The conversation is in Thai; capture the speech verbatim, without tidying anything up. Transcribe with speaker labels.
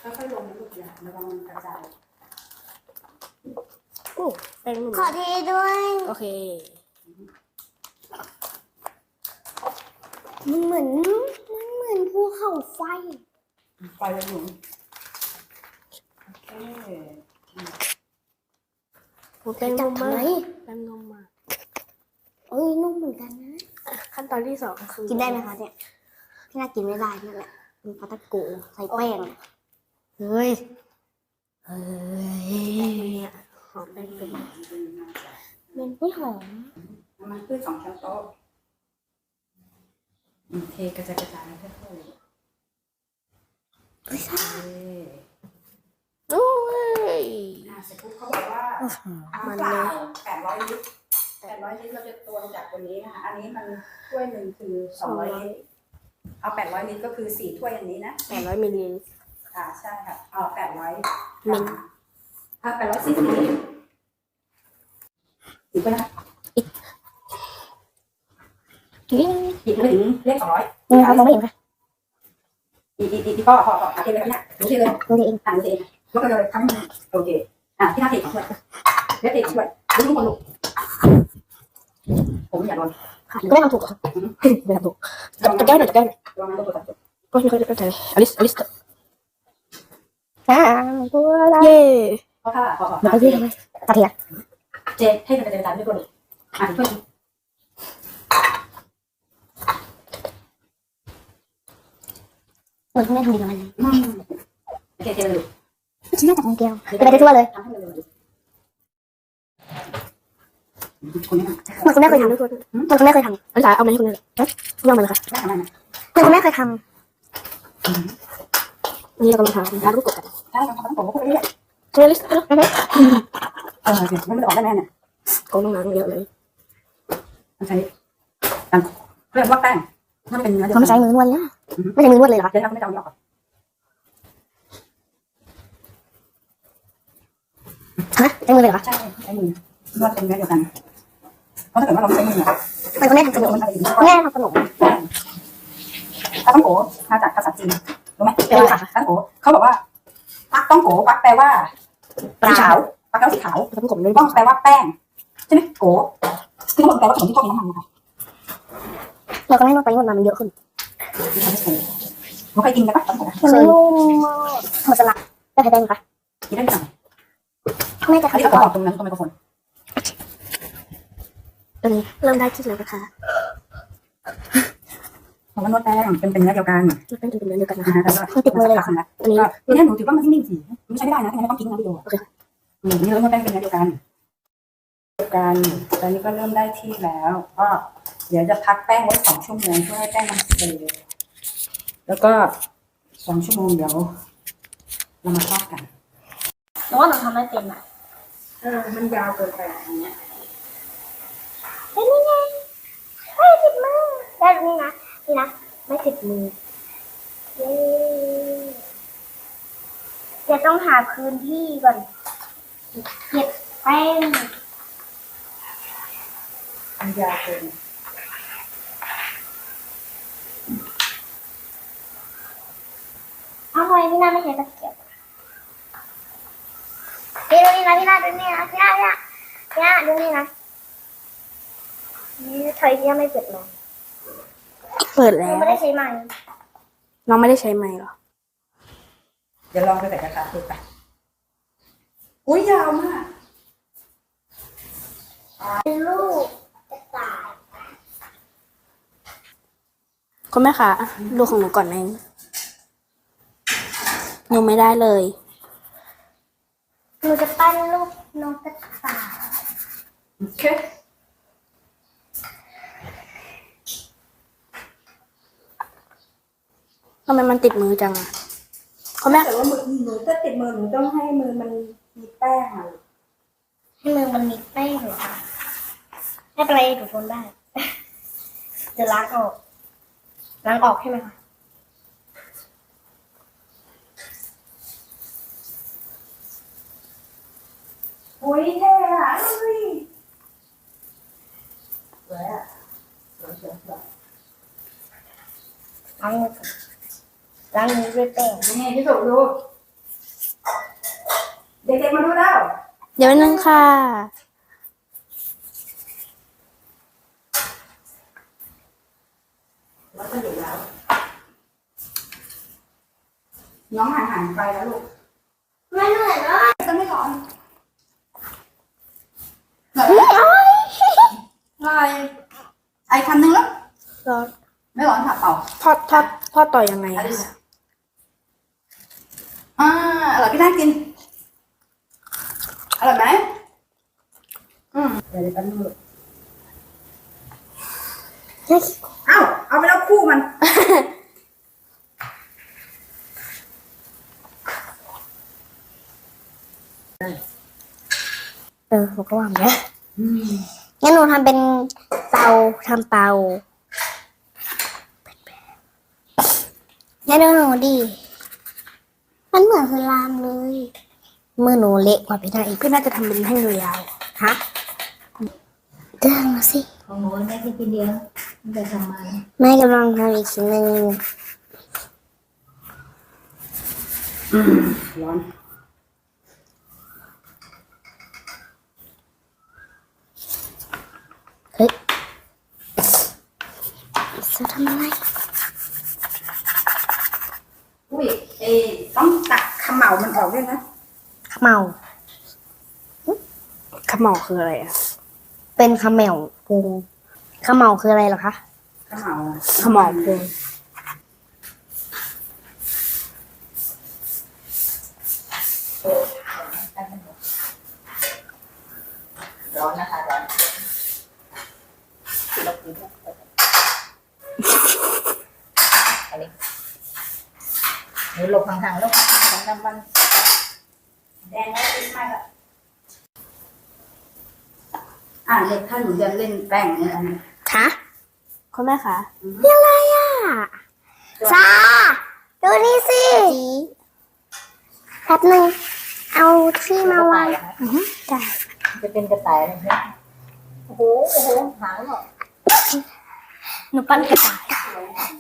Speaker 1: ค่อยๆลงลูกอย่าระวังมันกระจาย
Speaker 2: โอ้แป้งนุ่ม
Speaker 3: ขอเทด้วย
Speaker 2: โอเค
Speaker 3: มันเหมือนมันเหมือนภูเขาไฟ
Speaker 1: ไฟเลยหนุนโอเค
Speaker 2: โอ้แป้งนุ่มมาก
Speaker 3: จับทำไม
Speaker 2: แป้งนุ่มมาก
Speaker 3: เอ้ยนุ่มเหมือนกันนะ
Speaker 2: ขั้นตอนที่สองคือ
Speaker 3: กินได้ไหมคะเนี่ยพี่น่ากินไม่ได้นั่นแหละมันปลาตะโกใส่แป้งเฮ้ย
Speaker 2: เฮ้ยหอมแป้งนุ่ม
Speaker 3: มันไม่หอม
Speaker 1: น้ำมันพืชสองช้อนโต๊ะอืมเทกระจายกระจายค่อยๆ
Speaker 3: ไม่ใช่
Speaker 2: โอ้ย
Speaker 1: อ่าเสร็จปุ๊บเขาบอกว่าน้ำเปล่าแปดร้อยลิตรแปดร้อยลิตรเราจะตวงจากตัวนี้นะคะอันนี้มันถ้วยหนึ่งคือสองร้อยลิตรเอาแปดร้อยลิตรก็คือสี่ถ้วยอันนี้นะ
Speaker 2: แปดร้อยมิลลิลิตร
Speaker 1: ค่ะใช่ค่ะเอาแปดร้อย
Speaker 2: มิล
Speaker 1: เอาแปดร้อยสี่สิบลิตรอีกไปนะ
Speaker 2: นี่
Speaker 1: อีกไม่ถึงเลขสองร้อย
Speaker 3: นี่นะครับมองไม่เห็นค่ะ
Speaker 1: อีกอีกอีกอีกพ่อพ่อพ่อหาเองเลยนะดูสิเลย
Speaker 3: ดูเอง
Speaker 1: อ่านดูสิเองยกไปเลยทั้งโอเคอ่ะที่หน้าเทของช่วยเล็บเทของช่วยดูทุกคนลูกผมอย่าโดน
Speaker 2: ค่ะก็ได้ทำถูกเหรอไม่ทำถูกจะแก้หน่อยจะแก้หน่อย
Speaker 1: ระวังนะตัวตัดจบ
Speaker 2: ก็ไม่ค่อยได้เข้าใจอลิสอลิส
Speaker 3: อ่าตัวละ
Speaker 2: เย่
Speaker 1: เพราะถ้าพอพอ
Speaker 3: เดี๋ยวไปยืดทำไมกระเทียม
Speaker 1: เจให้มันกระจายด้วยตัวนี้อ่านช่วย
Speaker 3: เหมือนคุณแม่ทำดีกับมันเลย
Speaker 1: โอเคเทเลย
Speaker 3: ชิ้นแรกจากของเกลียวเป็นไปได้ทั่วเลย
Speaker 1: ทำให้มันเลยคนนี้
Speaker 3: เหมือนคุณแม่เคยทำเหมื
Speaker 2: ทุกคน
Speaker 3: อนคุณแม่เคยทำ
Speaker 2: อลิสาเอามาให้คุณเลยลองมาเลยค่ะ
Speaker 1: ได้ทำได้ไหม
Speaker 3: เหมือนคุณแม่เคยท
Speaker 2: นี่เรากำลังทำทานลูกกดกัน
Speaker 1: ได้ทำต้องผมก็พูดไปเรื่อย
Speaker 2: เจอลิสเออ
Speaker 1: เออมันไม่ออกได้แน่เนี่ย
Speaker 2: โกงน้องๆเยอะเลย
Speaker 1: มันใช้การเรียกว่าแป้งมันเป็นเนื้อ
Speaker 3: ำ
Speaker 1: เดียว
Speaker 3: เขาไม่ใช้มือนวดเนี่ยไม่ใช้มือนวดเลยเหรอคะ
Speaker 1: เดี๋ยวเราไม่ต้องยอก
Speaker 3: ฮะใช้มือเลยเหรอคะ
Speaker 1: ใช่ใช้มือนวดเป็นเนื้อเดียวกันเพราะถ้าเกิดว่าเราใช้มือเนี่ย
Speaker 3: เหมือนคุณแม่ทำขนม
Speaker 1: มันอะไรอย่างเงี้ย
Speaker 3: คุณแม่ทำขนม
Speaker 1: ปลาต้องโกมาจากภาษาจีนรู้ไหมเป็นภาษาปลาต้องโกเขาบอกว่าปักต้องโกปักแปลว่าสีขาวปักแปลว่าสีขาว
Speaker 2: ทำกลมเลย
Speaker 1: ต้องแปลว่าแป้งใช่ไหมโกซึ่งมันแปลว่าขนมที่พวกมีน้ำมันนะคะ
Speaker 3: เราก็ไม่นวดไปนวดมามันเยอะขึ้น
Speaker 1: ที่ทำให้โกเราเคยกินกันปะต้องโก
Speaker 3: มันนุ่มมากเหมือนสลัดได้ใช้แป้งคะ
Speaker 1: กินได้ไหม
Speaker 3: แม่จะ
Speaker 1: อันนี้
Speaker 3: ทำ
Speaker 1: เขา
Speaker 3: ก่อน
Speaker 1: บอกตรงนั้นตรงไมโครโฟน
Speaker 2: ตอนนี้เริ่มได้ที่แล้วนะคะ
Speaker 1: เพราะว่านวดแป้งเป็นเป็นเนื้อเดียวกัน
Speaker 2: แป้งจะเป็นเนื้อเดียวกันนะ
Speaker 1: นะคะ คะแล้วก็ติดมือเลยค่ะ
Speaker 2: อันนี้
Speaker 1: ทีนี้หนูถือว่ามันนิ่งๆสิไม่ใช่ไม่ได้นะไม่ต้องทิ้งนะวิดีโอโอเคอืมนี่เรานวดแป้งเป็นเนื้อเดียวกันเดียวกันตอนนี้ก็เริ่มได้ที่แล้วก็เดี๋ยวจะพักแป้งไว้สองชั่วโมงเพื่อให้แป้งมันเสร็จแล้วก็สองชั่วโมงเดี๋ยวเรามาทอดกัน
Speaker 3: หนูว่าหนูทำไม่เป็นอ่ะ
Speaker 1: เออมันยาวเกินไปอย่างเงี้ย
Speaker 3: เฮ้ยนี่ไงไม่ติดมือได้รู้นี่นะนี่นะไม่ติดมือเย้จะต้องหาพื้นที่ก่อนเก็บแป้ง
Speaker 1: มันยาวเกิน
Speaker 3: ทำไมพี่นาไม่ใช้ตะเกียบพี่ดูนี่นะพี่นาดูนี่นะพี่นาพี่นาพี่นาดูนี่นะนี่ถอยพี่นาไม่เปิดเลย
Speaker 2: เปิดแล้ว
Speaker 3: ไม่ได้ใช้ไม้
Speaker 2: น้องไม่ได้ใช้ไม้หรอ
Speaker 1: เดี๋ยวลองไปใส่กระทะดูไปอุ้ยยาวมาก
Speaker 3: เป็นลูกกระต่าย
Speaker 2: คุณแม่คะดูของหนูก่อนนะหนูไม่ได้เลย
Speaker 3: หนูจะปั้นลูกนกกระต่าย
Speaker 1: โอเค
Speaker 2: ทำไมมันติดมือจังอะคุณแม่
Speaker 1: แต่ว่ามือหนูถ้าติดมือหนูต้องให้มือมันมีแป้งอ่ะ
Speaker 3: ให้มือมันมีแป้งเหรอคะไม่เป็นไรหนูทนได้ เดี๋ยวล้างออกล้างออกใช่ไหมคะ
Speaker 1: โอ้ยเท่อะเฮ้ยสวยอะสวยสวยสวย
Speaker 3: ล้างมือก่อนล้างมือด้วยแป้ง
Speaker 1: นี่ที่สุดดูด็กๆมาดูแล้ว
Speaker 2: เดี๋ยวนึงค่ะ
Speaker 1: แล้วก็อยู่แล้ว น้องห่างห่างไปแล้วลูก
Speaker 3: ไม่เหนื่อยเลย
Speaker 1: จะไม่ร้อนเหรอลอยไอคำนึงแล้ว
Speaker 2: ร้อน
Speaker 1: ไม่ร้อนค่ะเปล่า
Speaker 2: ทอดทอดทอดต่อยังไงอะ
Speaker 1: อ่าอร่อยพี่น่ากิน อร่อยไหมอืมเดี๋ยวเดี๋ยวแป๊บนึงลูกเอ้าเอาไปแล้วคู่มัน
Speaker 3: เออหนูก็ว่าอย่างเงี้ยงั้นหนูทำเป็นเตาทำเตางั้นดูหนูดิมันเหมือนสลามเลยมือหนูเละกว่าพี่นาอีก
Speaker 2: พี่น่าจะทำเป็นแท่งยาว
Speaker 3: ฮะเดินมาสิ
Speaker 4: ของหนูแม่แค่กินเดียวมันจะทำมา
Speaker 3: แม่กำลังทำอีกชิ้นหนึ่ง
Speaker 1: อืมร้อน
Speaker 3: เฮ้ยจะทำอะไร
Speaker 1: อุ้ยเอต้องตักเขม่ามันออกด้วยนะ
Speaker 3: ขมเมา
Speaker 2: ๆขมเหลาคืออะไรอะ
Speaker 3: เป็นขมเหมวพุงขมเมาคืออะไรเหรอคะ
Speaker 1: เขม่า
Speaker 2: ขมเหลาพุง
Speaker 4: ร้อนนะคะร้อนอันนี้หนูหลบห่างๆลูกของน้ำมัน
Speaker 1: แดงแล้วติ้มมากอะอ่าเด็กถ้าหนูจะเล่นแป้งเนี่ยอันนี้
Speaker 3: คะ
Speaker 2: คุณแม่คะ
Speaker 3: อะไรอ่ะซาดูนี่สิแป๊บหนึ่งเอาที่มาวาง
Speaker 4: อือฮึ
Speaker 3: จ้ะ
Speaker 4: จะเป็นกระต่ายเลยนะโอ้โหโอ้โหหางหรอ
Speaker 3: หนูปั้นกระต่าย